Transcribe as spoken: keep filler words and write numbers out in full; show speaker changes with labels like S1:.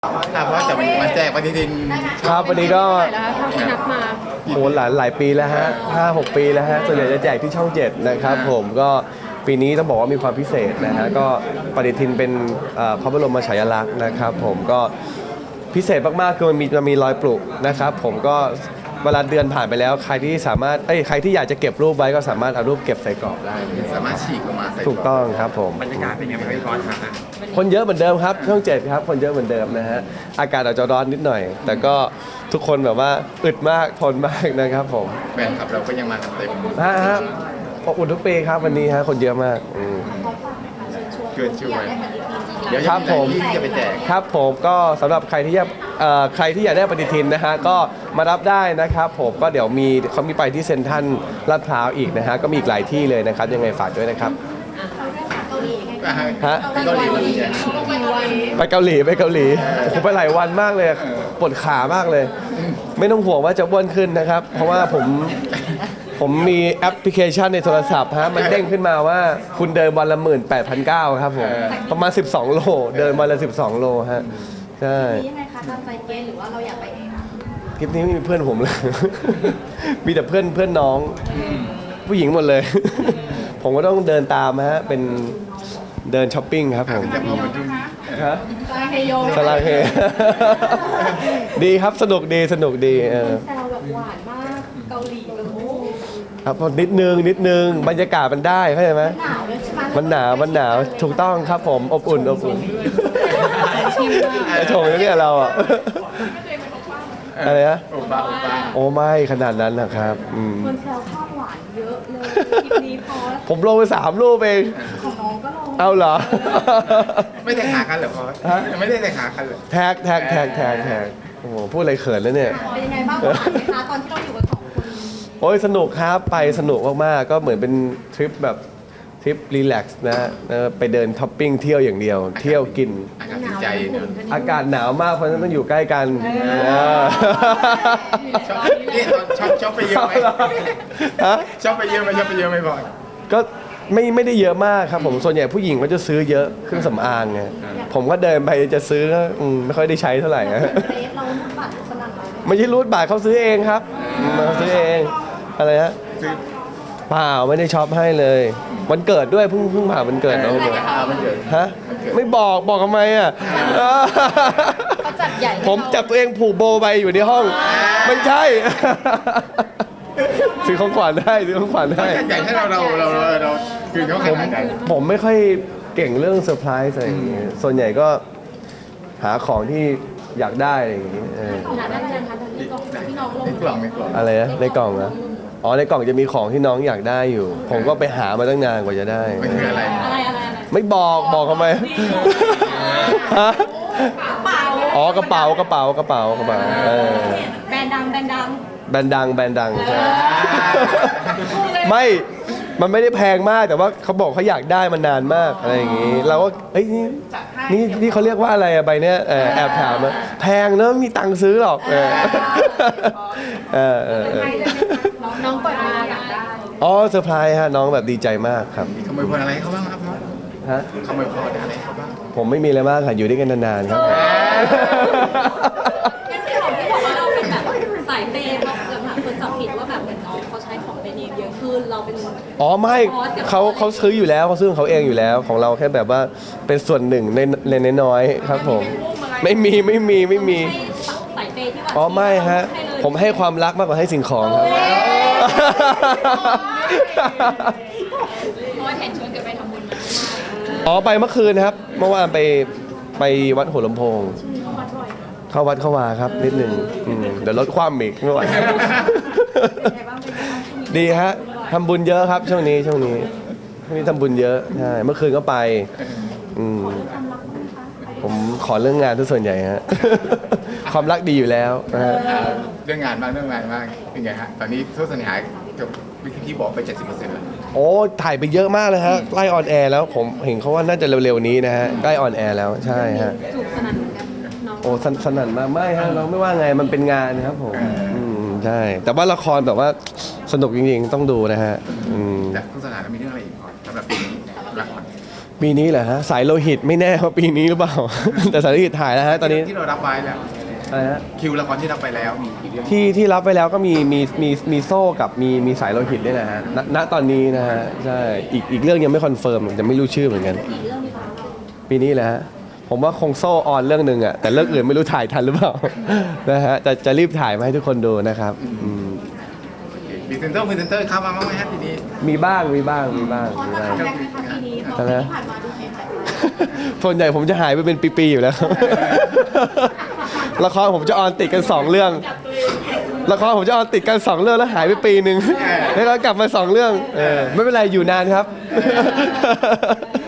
S1: ครับเพราะจะมาแจกปฏิทิน
S2: ครับวันนี้ก็
S3: ที่นับมา
S2: โหหลายหลายปีแล้วฮะห้าหกปีแล้วฮะส่วนใหญ่จะแจกที่ช่องเจ็ดนะครับผมก็ปีนี้ต้องบอกว่ามีความพิเศษนะฮะก็ปฏิทินเป็นพระบรมฉายาลักษณ์นะครับผมก็พิเศษมากๆคือมันมีมันมีรอยปลุกนะครับผมก็เวลาเดือนผ่านไปแล้วใครที่สามารถเอ้ยใครที่อยากจะเก็บรูปไว้ก็สามารถเอารูปเก็บใส่กรอบได้
S1: สามารถฉีกออกมาใส่
S2: ถูกต้องครับผม
S1: บรรยากาศเป็นยังไงพี่บอลครับ
S2: คนเยอะเหมือนเดิมครับช่องเจ็ดครับคนเยอะเหมือนเดิมนะฮะอากาศอาจจะร้อนนิดหน่อยแต่ก็ทุกคนแบบว่าอึดมากทนมากนะครับผม
S1: แฟนคลับเราก็ยังมากันเต็ม
S2: ฮะฮะอบอุ่นทุกปีครับวันนี้ฮะคนเยอะมาก
S1: เกินช่วยเดี๋ยว
S2: ครับผม
S1: จะไปแจก
S2: ครับผมก็สำหรับใครที่อยากใครที่อยากได้ปฏิทินนะฮะก็มารับได้นะครับผมก็เดี๋ยวมีเขามีไปที่เซ็นทรัลลาดพร้าวอีกนะฮะก็มีอีกหลายที่เลยนะครับยังไงฝากด้วยนะครับฮะ
S1: เกาหลีวันนี้
S2: ไปเกาหลีไปเกาหลีผมไปหลายวันมากเลยปวดขามากเลย ไม่ต้องห่วงว่าจะอ้วนขึ้นนะครับเพราะว่าผมผมมีแอปพลิเคชันในโทรศัพท์ฮะมันเด้งขึ้นมาว่าคุณเดินวันละหมื่นแปดพันเก้าครับผมประมาณสิบสองโลเดินวันละสิบสองโลฮะใช่
S3: ยังไงคะตามใจเกณฑ์หรือว่าเราอยากไปเอง
S2: คลิปนี้ไม่มีเพื่อนผมเลยมีแต่เพื่อนเพื่อนน้องผู้หญิงหมดเลย ผมก็ต้องเดินตามฮะเป็นเดินช้อปปิ้งครับผมฮะ
S3: สลาเฮโย
S2: สลาเฮดีครับสนุกดีสนุกดีเออ
S3: แซวแบบหวานมากเกาหลีเลย
S2: ครับนิดนึงนิดนึงบรรยากาศมันได้เข้าใจไหม
S3: หนาวเลยใช่ไหม
S2: มันหนาวมันหนาวถูกต้องครับผมอบอุ่นอบอุ่นชงเนี่ยเราอ่ะอะไรนะโอ้ไม่ขนาดนั้นนะครับ
S3: คนแซวภาพหวานเยอะเลยคลิปนี้พอ
S2: ผมลงไปสามรูปเอง
S3: ของน้องก็ลง
S2: เอาเหรอ
S1: ไม่ได้หากันเหรอพอไม่ได้หากันเลย
S2: แท็กแท็กแท็กแท็กแท็กโอ้โหพูดอะไรเขินแล้วเนี่ย
S3: เป็นยังไงบ้างหวานไหมคะตอนที่เราอยู่กันสองคน
S2: โอ้ยสนุกครับไปสนุกมากๆก็เหมือนเป็นทริปแบบทริปรีแลกซ์นะไปเดินท็อปปิ้งเที่ยวอย่างเดียวเที่ยวกิน
S1: อากาศใจ
S2: อากาศหนาวมากเพราะฉะนั้นต้องอยู่ใกล้กัน
S1: นี่ชอบชอบไปเยอะไหมชอบไปเยอะไหมชอบไปเยอะไหมบ่อย
S2: ก็ไม่ไม่ได้เยอะมากครับผมส่วนใหญ่ผู้หญิงก็จะซื้อเยอะเครื่องสำอางไงผมก็เดินไปจะซื้อไม่ค่อยได้ใช้เท่าไหร่นะไม่ใช่รูดบัตรเขาซื้อเองครับเขาซื้อเองอะไรฮะเปล่าไม่ได้ช็อปให้เลยวันเกิดด้วยเพิ่งเพิ่งผ่านวันเกิดน้องเลยฮะไม่บอกบอกทำไมอ่ะผมจับตัวเองผูกโบไปอยู่ในห้องไม่ใช่ซื้อของขวัญได้ซื้อของขวัญได้
S1: ใหญ่ให้เราเราเราเราคือเขาผม
S2: ผมไม่ค่อยเก่งเรื่องเซอร์ไพรส์อะไรอย่างเงี้ยส่วนใหญ่ก็หาของที่อยากได้อะไรอย่างเงี้ยอะไรนะในกล่องนะอ๋อในกล่องจะมีของที่น้องอยากได้อยู่ผมก็ไปหามาตั้งนานกว่าจะได้
S1: มันคืออะไร
S2: ไม่บอกบอกทำไมฮะอ๋อกระเป๋ากระเป๋ากระเป๋ากระเป๋า
S3: แบรนด์ดังแบรนด์ดัง
S2: แบรนด์ดังแบรนด์ดังใช่ไม่มันไม่ได้แพงมากแต่ว่าเขาบอกเขาอยากได้มานานมากอะไรอย่างงี้เราก็เอ้ยนี่นี่นี่เขาเรียกว่าอะไรอะใบเนี้ยแอบถามอะแพงเนอะมีตังค์ซื้อหรอกเออเออเออ
S3: น้องเปิดมาอยากได้
S2: อ๋อเซอร์ไพรส์ฮะน้องแบบดีใจมากครับ
S1: ขโมยพรอะไรเขาบ้างครับ
S2: ฮะ
S1: ขโมยพรอะไรเขาบ้าง
S2: ผมไม่มีอะไรมากค่ะอยู่ด้วยกันนานๆครับ
S3: สายเปย์เราแบบคนจับผิดว่าแบบเหมือนน้องเขาใช้ของแบรนด์เนมเยอะขึ้นเราเป็น
S2: อ๋อไม่เขาเขาซื้ออยู่แล้วเขาซื้อของเขาเองอยู่แล้วของเราแค่แบบว่าเป็นส่วนหนึ่งในในน้อยๆครับผมไม่มีไม่มีไม่มี
S3: สายเปย์ที่ว่า
S2: อ๋อไม่ฮะผมให้ความรักมากกว่าให้สิ่งของครับ
S3: เพราะว่าแทนชวนกันไปทำบุญ
S2: อ๋อไปเมื่อคืนครับเมื่อวานไปไปวัดหัวลำโพงเข้าวัดเข้าวาครับนิดหนึ่งเดี๋ยวลดความอีกไม่ไหวดีฮะทำบุญเยอะครับช่วงนี้ช่วงนี้ช่วงนี้ทำบุญเยอะใช่เมื่อคืนก็ไปผมขอเรื่องงานทุกส่วนใหญ่ฮะความรักดีอยู่แล้ว
S1: เรื่องงานมากเรื่องงานมากเป็นไงฮะตอนนี้ทุกสัญญากับวิธีที่บอกไป เจ็ดสิบเปอร์เซ็นต์ แล้ว
S2: โอ้ถ่ายไปเยอะมากเลยฮะใกล้ออนแอร์แล้วผมเห็นเขาว่าน่าจะเร็วๆนี้นะฮะใกล้ออนแอร์แล้วใช่ฮะโอ้สนั่นมากไม่ฮะเราไม่ว่าไงมันเป็นงานครับผมใช่แต่ว่าละครแบบว่าสนุกจริงๆต้องดูนะฮะ
S1: จากทุกสถานมีเรื่องอะไรอีกสำหรับปีนี้ละคร
S2: ปีนี้เหรอฮะสายโลหิตไม่แน่ว่าปีนี้หรือเปล่า แต่สายโลหิตถ่ายแล้วฮะตอนนี้
S1: ที่เรารับไว้แล้ว
S2: อะไรฮะ
S1: คิวละครที่รับไปแล้วมีกี่เรื่อง
S2: ที่ที่รับไปแล้วก็มีมีมีมีโซ่กับมีมีสายโลหิตด้วยนะฮะณณตอนนี้นะฮะใช่อีกอีกเรื่องยังไม่คอนเฟิร์มจะไม่รู้ชื่อเหมือนกัน
S3: กี่เรื่องดีคะ
S2: ปีนี้แหละฮะผมว่าคงโซ่ออนเรื่องหนึ่งอะแต่เรื่องอื่นไม่รู้ถ่ายทันหรือเปล่า นะฮะแต่จะรีบถ่ายมาให้ทุกคนดูนะครับอืม
S1: พรีเซนเตอร์พรีเซนเตอร์เข้ามาบ้างไหมฮะทีนี้
S2: มีบ้างมีบ้างมีบ้าง
S3: พอ
S2: มี
S3: จะ
S2: บ้าง
S3: ทำได้ไหมคะปีนี้เพราะที่ผ่านมาดูเหนื่อย
S2: ส่วนใหญ่ผมจะหายไปเป็นปีๆอยู่แล้ว ละครผมจะออนติดกันสองเรื่อง ละครผมจะออนติดกันสองเรื่องแล้วหายไปปีหนึ่งแล้วก็กลับมาสองเรื่องเออไม่เป็นไรอยู่นานครับ